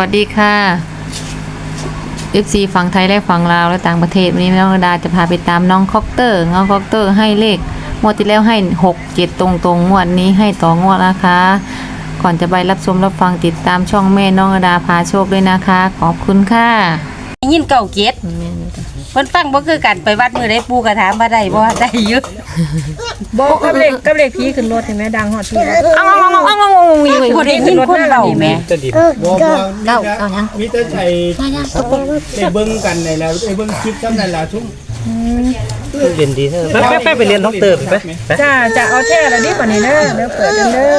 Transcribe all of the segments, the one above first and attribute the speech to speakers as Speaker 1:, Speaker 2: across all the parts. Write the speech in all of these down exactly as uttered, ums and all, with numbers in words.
Speaker 1: วัสดีค่ะ เอฟ ซี ฝั่งไทยและฝั่งลาวและต่างประเทศวันนี้น้องดาจะพาไปตามน้องคอปเตอร์น้องคอปเตอร์ให้เลขงวดที่แล้วให้หก เจ็ดตรงๆงวดนี้ให้ต่องวดนะคะ ก่อนจะไปรับชมรับฟังติดตามช่องแม่น้องดาพาโชคด้วยนะคะขอบคุณค่ะ
Speaker 2: ยินเก่าเกียรติเพิ่นฟังบ่คือกันไปวัดมื้อใดปู่ก็ถามว่าได้บ่ได้อยู่
Speaker 3: บ่กับเลขกับเลขผีขึ้นรถเห็นมั้ยดังฮอดที่
Speaker 1: อ้าวๆๆๆๆมี
Speaker 2: บ่ได้ยินคนเว้าแม่
Speaker 4: บ่บ่เก้าเก้ายังมีแต่ใส่ได้เบิ่งกันได้แล้วได้เบิ่งคลิปซ้ำนั่นล่ะชุ่ม
Speaker 5: เรียนดีเถอะแป๊บๆไปเรียนด็อกเตอร์ไป
Speaker 3: จ้าจะเอาแท้แล้วดิบัดนี้เด้อเดี๋ยวเปิดกันเด้อ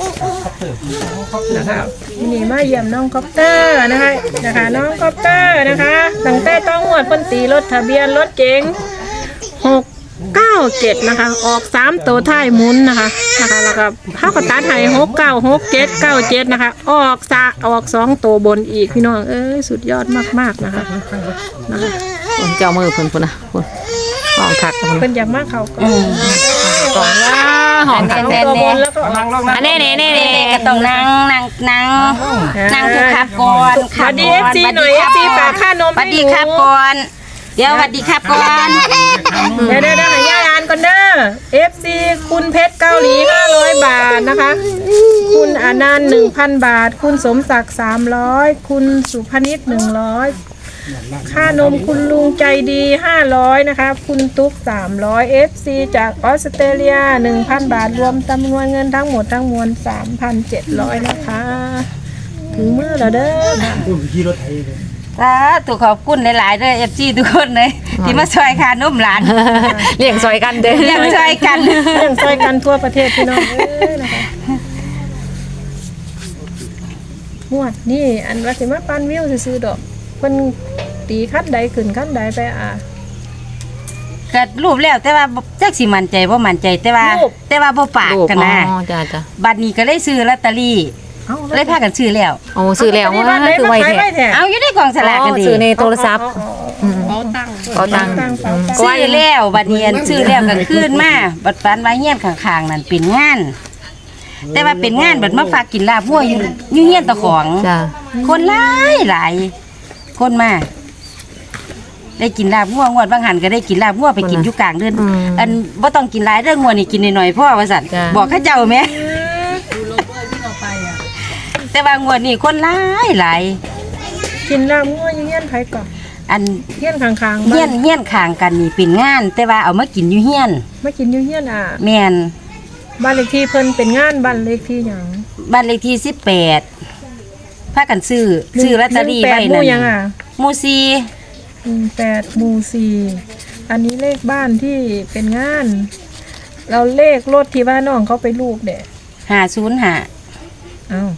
Speaker 3: นะคะนี่มาเยี่ยมน้องคอปเตอร์นะคะนะคะน้องคอปเตอร์นะคะตั้งแต่ต้องงวดเพิ่นตีรถทะเบียนรถเก๋งหก เก้า เจ็ดนะคะออกสามตัวท้ายหมุนนะคะนะคะแล้วก็เฮาก็ตัดให้หก เก้า หก เจ็ด เก้า เจ็ดนะคะออกซะออกสองตัวบนอีกพี่น้องเอ้ยสุดยอดมากๆนะคะนะคะ
Speaker 1: ผมเจ้ามือเพิ่นพุ่นน่ะพุ่นห้องคักเพิ่น
Speaker 3: เพิ่นอยากมาเข้าก่อน
Speaker 1: ก่อนว่าห้องคัก
Speaker 3: ตัวบนแล้วก็นั่งลง
Speaker 1: อันนี้ๆๆ
Speaker 2: ก็ต้องนั่งนั่งนั่งนั่งทุกครับก่อน
Speaker 3: สวัสดี เอฟ ซี หน่อย เอฟ ซี ฝากค่านม
Speaker 2: สวัสดีครับก่อนเดี๋ยวสวัสดีครับก่อน
Speaker 3: เดี๋ยวๆๆให้ย่าอ่านก่อนเด้อ เอฟ ซี คุณเพชรเกาหลีห้าร้อยบาทนะคะคุณอนันต์ หนึ่งพัน บาทคุณสมศักดิ์สามร้อยคุณสุพนิชหนึ่งร้อยค่านมคุณลุงใจดีห้าร้อยนะคะคุณตุ๊กสามร้อย เอฟ ซี จากออสเตรเลีย หนึ่งพัน บาทรวมจำนวนเงินทั้งหมดทั้งมวล สามพันเจ็ดร้อย นะคะถึงมื้อแล้วเด้อค่ะ
Speaker 4: พุ่นขี่รถไถเลย
Speaker 2: สาธุขอบคุณหลายๆเด้อ เอฟ ซี ทุกคนเลยที่มาช่วยค่านมหลาน
Speaker 1: เลี้ยงซอยกันเด้อ
Speaker 2: เลี้ยงช่วยกัน
Speaker 3: เรื่องช่วยกันทั่วประเทศพี่น้องเอ้ยนะคะงวดนี่อันว่าสิมาปั้นวิวซื่อๆดอกเพิ่นตีคันใดขึ้นคันใดไปอ่ะ
Speaker 2: ก็รูปแล้วแต่ว่าจักสิมั่นใจบ่มั่นใจแต่ว่า
Speaker 3: รูป
Speaker 2: แต่ว่าบ่ปากกันนะ
Speaker 1: อ๋อจ้าจ้า
Speaker 2: บัดนี้ก็เลยซื้อลอตเตอรี่
Speaker 3: เอ้า
Speaker 2: เลยพากันซื้อแล้ว
Speaker 1: โอ้ซื้อแล้วว่าคือไวแท้
Speaker 2: เอาอยู่ในกล่องสลากกันดิ
Speaker 1: ซื้อในโทรศัพท์เอาตังเอาตัง
Speaker 2: ซื้อแล้วบัดนี้อันซื้อแล้วก็คืนมาบัดฝันว่าเฮียนข้างๆนั่นเป็นงาน แต่ว่าเป็นงานบัดมาฝากกินลาบวัวอยู่อยู่เฮียนตะของ
Speaker 1: จ้า
Speaker 2: คนหลายหลายคนมาได้กินลาบงัวงวดบางหันก็ได้กินลาบงัวไปกินอยู่กลางเดือนอันบ่ต้องกินหลายเรื่องงัวนี่กินหน่อยๆพ่อว่าซั่นบอกเขาเจ้าแม่แต่ว่างวดนี้คนหลายหลาย
Speaker 3: กินลาบงัวอยู่เฮียนไผก่อน
Speaker 2: อัน
Speaker 3: เฮียนข้างๆ
Speaker 2: เฮีย
Speaker 3: บ้าน
Speaker 2: เฮียนข้างกันนี่เป็นงาน แต่ว่าเอามากินอยู่เฮียน
Speaker 3: มากินอยู่เฮียนอ่ะ
Speaker 2: แม่น
Speaker 3: บ้านเลขที่เพิ่นเป็นงานบ้านเลขที่หยัง
Speaker 2: บ้านเลขที่สิบแปดพากันซื้อซื้อลอตเตอรี่ไว้
Speaker 3: หนึ่งแปดหมู่
Speaker 2: นั่น
Speaker 3: ยังอ่ะ
Speaker 2: หมู่สี่
Speaker 3: หนึ่งแปดหมู่สี่อันนี้เลขบ้านที่เป็นงาน เราเลขรถที่ว่าน้องเขาไปลูกเด้
Speaker 2: ห้าศูนย์ห้า
Speaker 3: เอ้า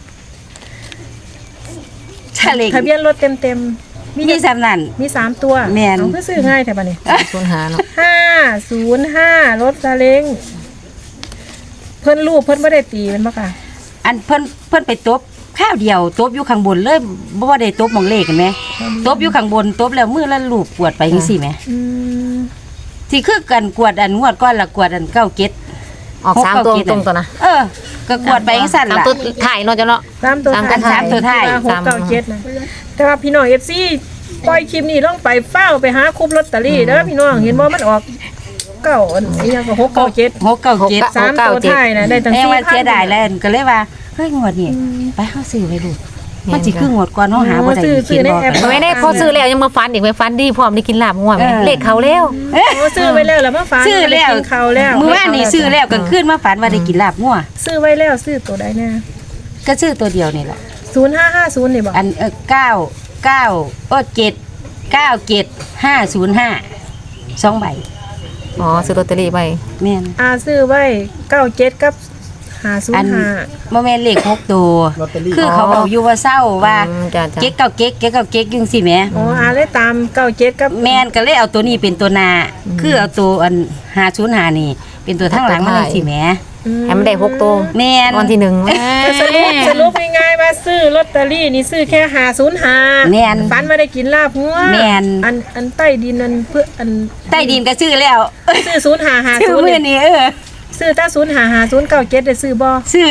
Speaker 2: ทะเล
Speaker 3: ทะเบียนรถเต็มๆ
Speaker 2: มีสำนัน
Speaker 3: มีสามตัว
Speaker 2: แม่น
Speaker 3: เอาคือซื้อง่ายแท้บัดนี้
Speaker 1: ส่วนหาเนาะ
Speaker 3: ห้าศูนย์ห้ารถซาเล้งเพิ่นลูกเพิ่นบ่ได้ตีแมันบ่ค่ะ
Speaker 2: อันเพิ่นเพิ่นไปตบข้าวเดียวตบอยู่ข้างบนเลยบ่ว่าได้ตบหมองเลขกันไหมตบอยู่ข้างบนตบแล้วมือละลูกกวดไปจังซี่แหม
Speaker 3: อืม
Speaker 2: ที่คือกันกวดอันงวดก้อนละกวดอันเก้าเก็ด
Speaker 1: ออกสามตัวตรงตัวนะ
Speaker 2: เออ ก็กวดไปจังซั่น
Speaker 1: สาม
Speaker 2: ล่ะ
Speaker 1: ตัวถ่ายเนาะจ้ะเนาะ
Speaker 3: สามตัว
Speaker 1: สาม
Speaker 3: ท้าย
Speaker 1: สามตัวท้าย
Speaker 3: หกเก้าเจ็ดนะแต่ว่าพี่น้อง เอฟ ซี ปล่อยคลิปนี้ลงไปเฝ้าไปหาคุบลอตเตอรี่เด้อพี่น้องเห็นบ่มันออกเก้าอันอีหยังก็หกเก้าเจ็ด
Speaker 2: หกเก้าเก็ด
Speaker 3: สามตัวท้ายนะได้ตั้ง
Speaker 2: แม่
Speaker 3: สี่
Speaker 2: ว่า
Speaker 3: พัน
Speaker 2: เสียดายแล้วก็เลยว่าเฮ้ยงวดนี้ไปเฮาซื้อไว้ลูกมันสิคืองวดก่อนเฮาหาบ่ได้เขียนบ่กัน
Speaker 1: ไม่ได้พอซื้อแล้วยังมาฟันอีกไปฟันดีพร้อมได้กินลาบงัวแม่เลขเขาแล้ว
Speaker 3: โอ้ซื้อไว้แล้วแล้วมาฝาก
Speaker 2: ซื้อแล้ว
Speaker 3: กินข้าวแล้ว
Speaker 2: มื้อวานนี้ซื้อแล้วกลางคืนมาฝันว่าได้กินลาบงัว
Speaker 3: ซื้อไว้แล้วซื้อตัวใดแน่
Speaker 2: ก็ซื้อตัวเดียวนี่แหละ
Speaker 3: ศูนย์ห้าห้าศูนย์นี่บ่
Speaker 2: อันเออเก้าเก้าเออเจ็ดเก้าเจ็ดห้าศูนย์ห้าสองใบ
Speaker 1: อ๋อซื้อลอตเตอรี่ไป
Speaker 2: แม่น
Speaker 3: อาซื้อไว้เก้าเจ็ดกับห้าศูน
Speaker 2: อัน
Speaker 3: ย์ห้า
Speaker 2: บ่แม่นเลขหกตัว
Speaker 4: ลอตเตอรี่
Speaker 2: คือเขาบอกอยู่ว่าเศร้าว่า
Speaker 1: จ้าจ้า
Speaker 2: เก๊กเก้าเก๊กเก๊กเก้าเก๊กจังซี่แหม
Speaker 3: อ๋ออาเลยตามเก้าเจ็ดกับ
Speaker 2: แม่นก็เลยเอาตัวนี้เป็นตัวหน้าคือเอาตัวอันห้าศูนย์ห้านี่ เป็นตัวทั้งหลังมันจังซี่แหม
Speaker 1: ให้มันได้หกตัว
Speaker 2: แม่น
Speaker 1: วันที่หนึ่ง
Speaker 3: สรุปสรุปง่ายๆว่าซื้อลอตเตอรี่นี่ซื้อแค่ห้าศูนย์ห้า
Speaker 2: แม่น
Speaker 3: ฝันว่าได้กินลาบงัว
Speaker 2: แม่น
Speaker 3: อันอันใต้ดินอันเพื่ออัน
Speaker 2: ใต้ดินก็ซื้อแล้ว
Speaker 3: ซื้อศูนย์ห้าห้า
Speaker 2: ซื้อ
Speaker 3: ศูนย์
Speaker 2: มื้อนี้เออ
Speaker 3: ซื้อถ้าศูนย์ห้าห้าศูนย์เก้าเจ็ดได้ซื้อบ่
Speaker 2: ซื้อ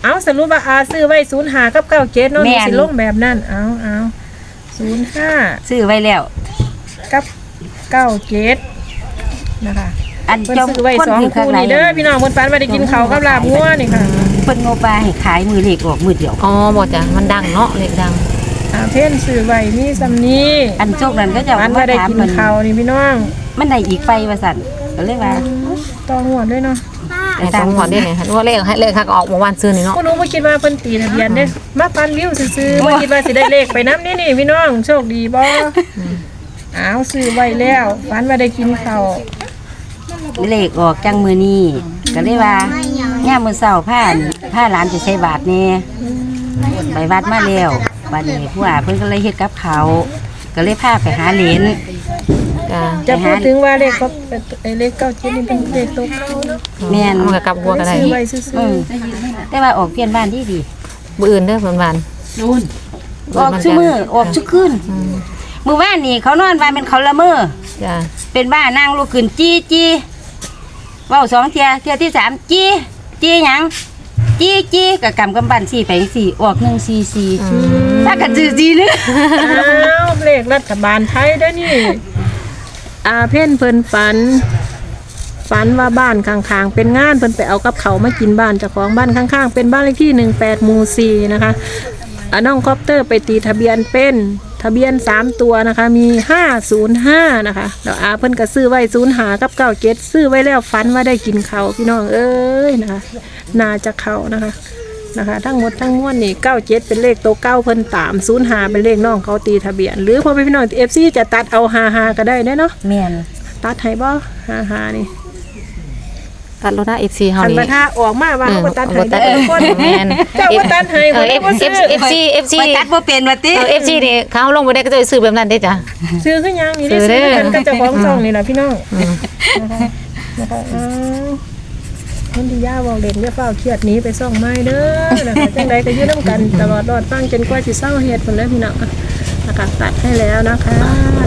Speaker 3: เอาสรุปว่าอาซื้อไว้ศูนย์ห้ากับเก้าเจ็ดเนาะ
Speaker 2: แม่
Speaker 3: มี
Speaker 2: น
Speaker 3: สิลงแบบนั้นเอาเอาศูนย์ห้า
Speaker 2: ซื้อไว้แล้ว
Speaker 3: กับเก้าเจ็ดนะคะ
Speaker 2: อัน
Speaker 3: เพิ่น
Speaker 2: เจ้า
Speaker 3: ซื้อไว้
Speaker 2: คน
Speaker 3: สอง
Speaker 2: ถือข้าง
Speaker 3: คู่
Speaker 2: ใน
Speaker 3: นี่เด้อพี่น้องเพิ่นฝันว่าได้กินข้าวกับลาบงัวนี่ค่ะ
Speaker 2: เพิ่นโงปลาให้ขายมือเลขออกมือเดียว
Speaker 1: อ๋อบ่จ้ะมันดังเนาะเลขดัง
Speaker 3: อาเพ่นซื้อไว้มีซำนี้
Speaker 2: อันโชคนั้นก็จะ
Speaker 3: ฝัน
Speaker 2: มา
Speaker 3: ว่าได้
Speaker 2: ถาม
Speaker 3: กิน
Speaker 2: เพิ่น
Speaker 3: ข้าวนี่พี่น้อง
Speaker 2: มันได้อีกไปว่าซั่นก็เลยว่า
Speaker 3: ต่อหัวด้วยเนาะ
Speaker 1: ให้ต้องหอดได้เนี่ยว่าเลขให้เลขคักออกเมื่อวานซื้อนี่เนาะ
Speaker 3: บ่รู้บ่คิดว่าเพิ่นตีทะเบียนเด้มาปันวิวซื่อๆบ่คิดว่าสิได้เลขไปนำนี่นี่พี่น้องโชคดีบ่อ้าวซื้อไว้แล้วฝันว่าได้กินข้าว
Speaker 2: เลขออกจังมือนี้ก็เลยว่าย่ามมื้อเช้าผ้าผ้าหลานจะใส่บาตรแน่ไปวัดมาแล้วบัดนี้ผู้ว่าเพิ่นก็เลยเฮ็ดกับเขาวก็เลยพาไปหาเหรน
Speaker 1: จ้ะ
Speaker 3: จะพูดถึงว่าเลขก็ไอ้เลขเก้าเจ็ดนี่เป็นเลขตัวเก่าเนาะ
Speaker 2: แม่น
Speaker 1: มันก็กลับหัวกันได้
Speaker 3: ซื้อไว้ซื่อ
Speaker 2: อืมแต่ว่าออกเปลี่ยนบ้านดีดี
Speaker 1: มื้ออื่นเด้อเพิ่นวาน
Speaker 2: ออกชุมือออกชุคืนมื้อวานนี่เขานอนว่าเป็นเขาละเมอ
Speaker 1: จ้ะ
Speaker 2: เป็นบ้านั่งลุกขึ้นจี้จี้เว้าสองเที่ยเที่ยที่สามจี้จี้หยังจี้จี้กับกำกำบันสี่ไปสี่ออกหนึ่งสี่สี่ถ้ากันจื้อจีนึง
Speaker 3: ๆอ้าวเลขรัฐบาลไทยเด้อนี่อาเพ่นเพิ่นฝัน ฝันว่าบ้านข้างๆเป็นงานเพิ่นไปเอากับเขาวมากินบ้านเจ้าของบ้านข้างๆเป็นบ้านเลขที่หนึ่งแปดหมู่สี่นะคะอ่าน้องคอปเตอร์ไปตีทะเบียนเป็นทะเบียนสามตัวนะคะมีห้าศูนย์ห้านะคะแล้วอาเพิ่นก็ซื้อไว้ศูนย์หากับเก้าเจ็ดซื้อไว้แล้วฝันว่าได้กินเขาวพี่น้องเอ้ยนะคะน่าจะเขานะคะนะคะทั้งหมดทั้งมวลนี่เก้าเจ็ดเป็นเลขโตวเก้าเพิ่นตามศูนย์หาเป็นเลขน้องเขาตีทะเบียน หรือพอไปพี่น้องเอฟซีจะตัดเอาหาหาก็ได้เด้อเนาะ
Speaker 2: แม่น
Speaker 3: ตัดให้บ่หาหานี่
Speaker 1: ตัดรถหน้า เอฟ ซี เฮา
Speaker 3: คัน
Speaker 1: นี่
Speaker 3: บัดถ้าออกมาว่าเขาบ่ตัดให้
Speaker 1: ตั
Speaker 3: ได้
Speaker 1: ด
Speaker 3: ทุกคน
Speaker 1: แม่น
Speaker 3: เจ้าบ่ตัดให้
Speaker 1: เอ
Speaker 3: บ่
Speaker 1: อ
Speaker 3: ได้บ่ซื้อ
Speaker 1: เอฟซี เอฟซี
Speaker 2: ไปตัดบ่เป็นว่าติ
Speaker 1: เออ เอฟ ซี นี่เขาลงไปได้ก็จะซื้อแบบนั้นได้จ้ะ
Speaker 3: ซื้อคือหยังนี่ได้
Speaker 1: ซื้
Speaker 3: ซื้
Speaker 1: อ
Speaker 3: อ
Speaker 1: เด้อ
Speaker 3: กันกับเจ้าของช่องนี่ล่ะพี่น้อง
Speaker 1: อืม
Speaker 3: นะคะนะคะอ้าวคนที่ย่าเว้าเล่นอย่าเฝ้าเครียดหนีไปซ่องไม้เด้อนะคะจังใดก็อยู่นํกันตลอดรอดฟังจนกว่าสิเศร้าเฮ็ดพุ่นเด้อพี่น้องนะคะตัดให้แล้วนะคะ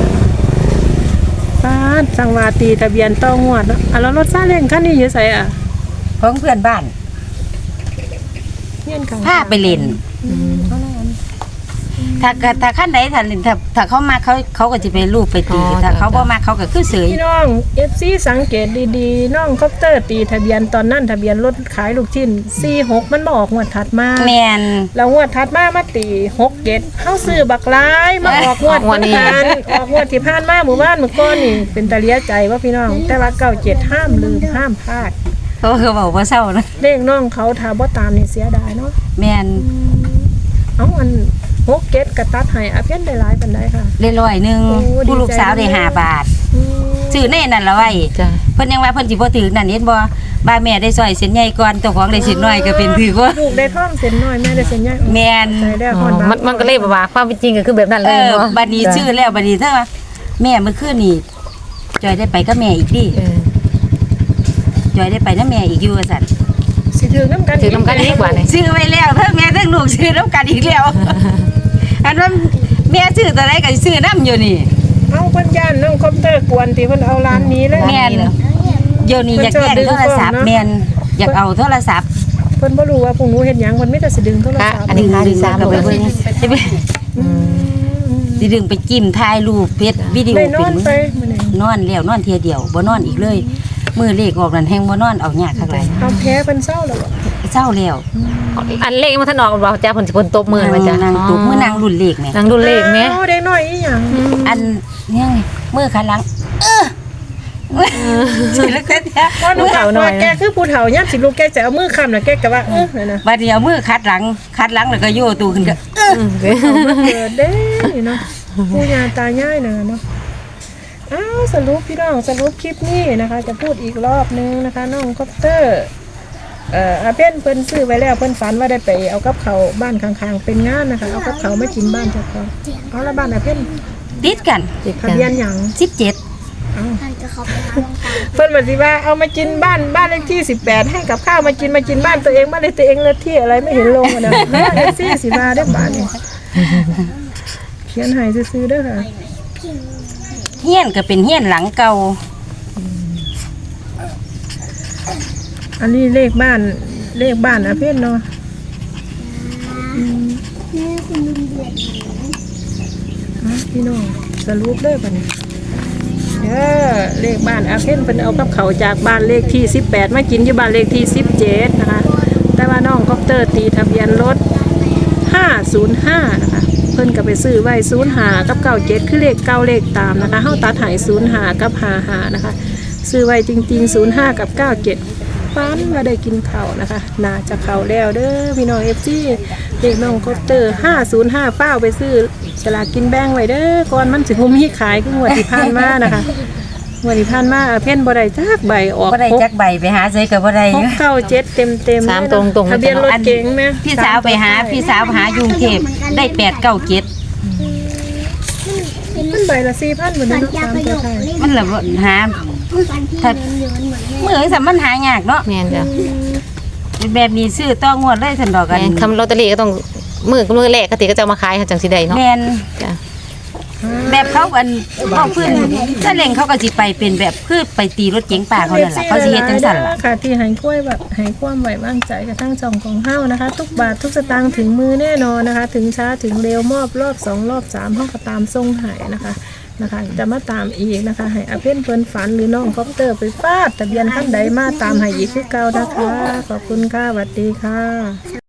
Speaker 3: ป้าดสังวาตีทะเบียนต้องงวดเนาะอ่ะแล้วรถซาเล้งคันนี้อยู่ไสอ่ะ
Speaker 2: ของเพื่อนบ้าน
Speaker 3: เฮียนข้าง
Speaker 2: พาไปเล่นถ้าก็ถ้าขั้นใดถ้าเล่นถ้าถ้าเขามาเขาเขาก็จะไปรูปไปตีถ้าเขาบ่มาเขาก็คือเสย
Speaker 3: พี่น้อง เอฟ ซี สังเกตดีๆ น้องคอปเตอร์ตีทะเบียนตอนนั้นทะเบียนรถขายลูกชิ้นสี่หกมันบออกงวดถัดมา
Speaker 2: แม่น
Speaker 3: แล้วงวดถัดมามาตีหกเจ็ดเฮาซื้อบักหลายมาออกงวด
Speaker 1: ออกงวดนี้
Speaker 3: ผ่านออกงวดที่ผ่านมาหมู่บ้านหมู่ก้อนนี่เป็นตาเลียใจว่าพี่น้อง แต่ว่าเก้าเจ็ดห้ามลืมห้ามพลาด
Speaker 2: เขาคือบอกว่าเศร้านะ
Speaker 3: เลขน้องเขาถ้าบ่ตามนี่เสียดายเนาะ
Speaker 2: แม่น
Speaker 3: เอ้าอันหกเจ็ดกระตัดให้อาเพี้ยนได้หลายปานใดค่ะ
Speaker 2: ได้ร้อยหนึง
Speaker 3: โอ้ดีใจ
Speaker 2: ผู้ลูกสาวได้ห้าบาท
Speaker 3: อืม
Speaker 2: ซื้อแน่นั่นละไว้
Speaker 1: จ้ะ
Speaker 2: เพิ่นยังว่าเพิ่นสิบ่ถือนั่นเห็นบ่บ้าแม่ได้ซอยเส้นใหญ่ก่อนเจ้าของได้เส้นน้อยก็เป็นถือว่า
Speaker 3: ลูกได้ท่องเส้นน้อยแม่ได้เส้นใหญ่
Speaker 2: แม่น
Speaker 3: ใจได้
Speaker 1: อ๋
Speaker 3: ฮ
Speaker 1: อ
Speaker 3: อดบา
Speaker 1: มันมันก็เลยแบบว่าความเป็นจริงก็คือแบบนั้นเล
Speaker 2: เอย อ
Speaker 1: เนาะ
Speaker 2: บัดนี้ชื่อแล้วบัดนี้เธอว่าแม่เมื่อคืนนี่จอยได้ไปกับแม่อีกดิ
Speaker 1: เออ
Speaker 2: จอยได้ไปนำแม่อีกอยู่ว่าซั่น
Speaker 3: สิถือน้ำกัน
Speaker 1: ถือน้ำกันอีกว่านี่
Speaker 2: ซื้อไว้แล้วเทั้งแม่เทั้งลูกซื้อนํกันอีกแล้วอันว่าแม่ซื้อตัวใดก็สิซื้อนํอยู่นี่
Speaker 3: เอาเพิ่นย่านน้องคอปเตอร์กวนที่เพิ่นเอาร้านนี้เลย
Speaker 2: แม่นเดี๋ยวนี้อยากแย่งโทรศัพท์แม่นอยากเอาโทรศัพท์
Speaker 3: เพิ่นบ่รู้ว่าพวกหนูเฮ็ดหยังเพิ่นมีแต่สิดึงโทรศัพท์
Speaker 1: อันนี้ค่าที่สาม
Speaker 2: ก็ไป
Speaker 1: เลย
Speaker 2: เบิ่งสิไปสิดึงไปจิ้มถ่ายรูปเพชรวิดีโอ
Speaker 3: ได้น
Speaker 2: เป็
Speaker 3: อน
Speaker 2: น
Speaker 3: ไปมื้อนี้
Speaker 2: นอนแล้วนอนเทียเดียวบ่นอนอีกเลยมือเลขออกนั่นแฮงบ่นอนเอายากคักหลาย
Speaker 3: เอาแพ้เพิ่นเศร้าแล้วบ่
Speaker 2: เศร้าแล้ว
Speaker 1: อันเลขมันถนออกบ่จ้าผลสิผลตบมือมาจ้ะ
Speaker 2: นางตุกมือนางรุ่นเลขแหม่
Speaker 1: นางดูเลขแม่
Speaker 3: เอาเด็กน้อยอีหยัง
Speaker 2: อันเนี่ยไงมือขาหลังเออสิแล้วก็เนี่ย
Speaker 3: ว่าหนูถามว่าแกคือผู้เฒ่ายามสิลูกแกจะเอามือค้ำน่ะแกก็ว่าเออนั่นน่ะ
Speaker 2: บัดนี้เอามือคัดหลังคัดหลังแล้วก็โยตูขึ้นก็เออ
Speaker 3: เกิดเด้นี่เนาะปู่ย่าตายายน่ะเนาะอ้าวสรุปพี่น้องสรุปคลิปนี้นะคะ จะพูดอีกรอบนึงนะคะน้องคอปเตอร์เอ่ออาเพิ่นเพิ่นซื้อไว้แล้วเพิ่นฝันว่าได้ไปเอากับเขาวบ้านข้างๆเป็นงานนะคะเอากับเขาวมากินบ้านเจ้าของเอาละบ้านอาเพิ่น
Speaker 2: ติดกัน
Speaker 3: ทะเบียนหยัง
Speaker 2: สิบเจ็ด
Speaker 3: เพิ่นบอกสิว่าเอามากินบ้านบ้านเลขที่สิบแปดให้กับข้าวมากินมากินบ้านตัวเองบ้านเลขตัวเองเลขที่อะไรไม่เห็นลงอ่ะนะเอฟซีสิมาได้บ้านนี่เขียนให้ซื้อๆเด้อค่ะ
Speaker 2: เฮียนก็เป็นเฮียนหลังเก่า
Speaker 3: อันนี้เลขบ้านเลขบ้านอาเพ่นเนาะอ่ะพี่น้องสรุปเลยบัดนี้เด้อเลขบ้านอาเพ่นเป็นเอากับเขาวจากบ้านเลขที่สิบแปดมากินอยู่บ้านเลขที่สิบเจ็ดนะคะแต่ว่าน้องคอปเตอร์ตีทะเบียนรถห้าศูนย์ห้านะคะเพิ่นก็ไปซื้อไว้ศูนย์ห้ากับเก้าเจ็ดคือเลขเก้าเลขตามนะคะเฮาตัดใหายศูนย์ห้ากับห้าห้านะคะซื้อไว้จริงๆศูนย์ห้ากับเก้าเจ็ดฟันว่าได้กินข้าวนะคะน่าจะเข้าแล้วเด้อพี่น้อง เอฟ ซี เลขน้องคอปเตอร์ห้าศูนย์ห้าเป้าไปซื้อฉลากกินแบ่งไว้เด้อก่อนมันสิบ่มีขายคืองวดที่ผ่านมานะคะงวดที่ผ่านมาเพ่นบ่ได้จักใบออก
Speaker 2: บ่ได้จักใบไปหาใส่ก็บ่ได้
Speaker 3: หกเก้าเจ็ดเต็มเต็ม
Speaker 1: สามตรงๆ
Speaker 3: ทะเบียนรถเก๋งไหม
Speaker 2: พี่สาวไปหาพี่สาวหาอยู่กรุงเทพได้แปดเก้าเจ็ด
Speaker 3: มันใบละสี่พันเหมือนเดิมสามตัวไทย
Speaker 2: มันละบ่หาถ้ามื้อสัมมันหายากเนาะ
Speaker 1: แม่นจ้ะ
Speaker 2: แบบนี้ซื้อต้องงวดเลยซั่นดอกกัน
Speaker 1: แม่นคำลอตเตอรี่ก็ต้องมือกับมือแรกก็ติก็จะเอามาขายจังสิได้เนาะ
Speaker 2: แม่น
Speaker 1: จ้ะ
Speaker 2: แบบเขาอันบ่พื้นถ้าเล่งเขาก็สิไปเป็นแบบคือไปตีรถเก๋งป่าเขานั่นล่ะเขาสิเฮ็ดจังซั่นล่ะ
Speaker 3: ค่ะที่ใหายกล้วยแบบใหายความไหววางใจกับทั้งจองของเฮ้านะคะ ทุกบาททุกสตางค์ถึงมือแน่นอนนะคะ ถึงช้าถึงเร็วมอบรอบสองรอบสามห้องก็ตามทรงหายนะคะนะคะจะมาตามอีกนะคะให้อาเพ่นเพิ่นฝันหรือน้องคอปเตอร์ไปฟาดทะเบียนท่านใดมาตามให้อีกคือเก่านะคะขอบคุณค่ะสวัสดีค่ะ